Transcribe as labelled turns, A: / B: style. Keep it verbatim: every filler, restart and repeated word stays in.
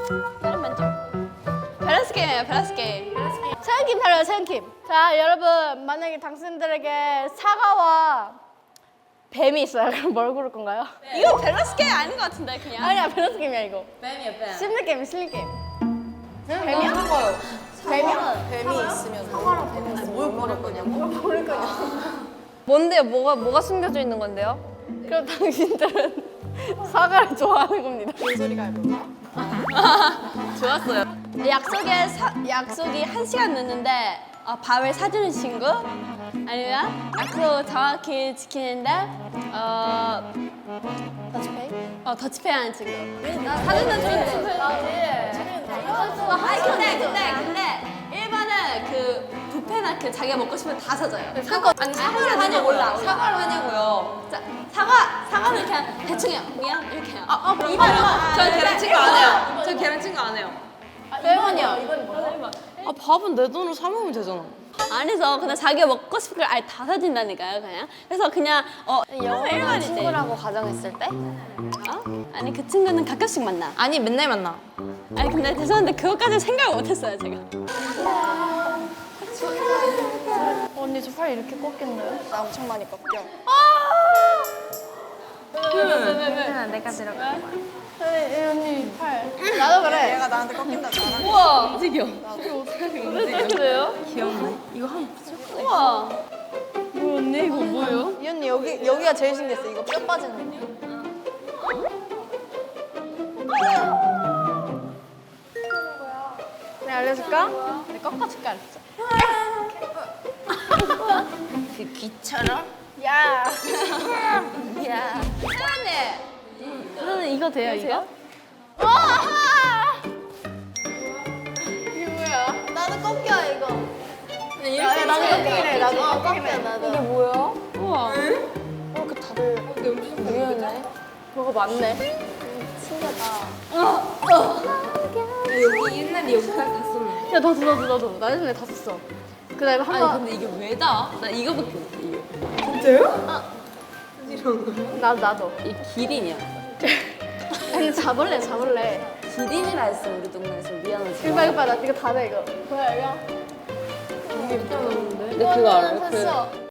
A: 다른 왼쪽. 밸런스 게임이에요, 밸런스 게임. 세연킴 타려요, 세연킴. 자, 여러분, 만약에 당신들에게 사과와 뱀이 있어요. 그럼 뭘 고를 건가요? 이거 밸런스 게임 아닌 것 같은데, 그냥. 아니야, 밸런스 게임이야, 이거.
B: 뱀이야 뱀.
A: 심리 게임, 심리 게임.
B: 뱀이야?
A: 뱀이야?
B: 뱀이 있으면 사과랑 뱀이 있으면 뭘 고를 거냐고?
A: 고를 거냐?
C: 뭔데요? 뭐가 뭐가 숨겨져 있는 건데요?
A: 그럼 당신들은 사과를 좋아하는 겁니다.
B: 소리가 해볼까?
A: 좋았어요. 약속에 사, 약속이 한 시간 늦는데 어, 밥을 사주는 친구 아니면 약속 정확히 지키는데 어 더치페이? 어 더치페이 하는 친구. 나 사주는 친구. 아니 근데 근데 근데 일 번은 그 뷔페나 그 자기가 먹고 싶은 거 다 사줘요.
B: 사과 아니 사과를 하냐고
A: 몰라.
B: 사과를 하냐고요.
A: 자, 사과 사과는 그냥 대충 해요. 미안 이렇게 해요.
B: 아, 아 그럼 이번 전 계란 친구 안 해요. 전 계란 친구 안 해요.
A: 세번이요. 이번 뭐야?
B: 아 밥은 내 돈으로 사 먹으면 되잖아.
A: 안에서 그냥 자기가 먹고 싶은 걸 아예 다 사준다니까요, 그냥. 그래서 그냥 어
C: 영원한 친구라고 가정했을 때?
A: 어? 아니 그 친구는 가끔씩 만나.
C: 아니 맨날 만나.
A: 아니 근데 죄송한데 그것까지 생각을 못했어요, 제가.
C: 언니 저 팔 이렇게 꺾인다요?
B: 나 엄청 많이 꺾여.
C: 아, 내가 들어가.
A: 언니 팔. 나도 그래.
B: 얘가 나한테 꺾인다 잖아.
A: 우와. 움직여. 왜 이렇게 돼요?
B: 귀엽네. 이거 한
A: 우와. 뭐 언니 이거 뭐예요?
B: 이 언니 여기 여기가 제일 신기했어. 이거 뼈 빠지는 거.
A: 내가 알려줄까? 내가 꺾어줄게 알았어.
C: 그 귀처럼?
A: 야.
C: 야.
A: 세연이. 저는 이거 돼요, 이거? 이게 뭐야?
B: 나도 꺾여 이거.
A: 야, 나도 꺾이래. 나도 꺾이래.
B: 나도.
C: 이게 뭐야?
A: 우와.
B: 이렇게 다들
C: 의외네.
A: 뭐가 많네.
B: 여기 옛날에 여기까지 다 썼네.
A: 야, 나도, 나도, 나도. 나 예전에 다 썼어. 그 다음에 한 번.
B: 근데 이게 왜 다? 나 이거밖에 못해 이게.
A: 나도, 나도.
B: 이 기린이야.
A: 아니, 잡을래, 잡을래.
B: 기린이라 했어 우리 동네에서 미안하지.
A: 이봐, 이봐. 나 이거 다 돼, 이거. 뭐야, 이거?
B: 근데 그거 알아요? 그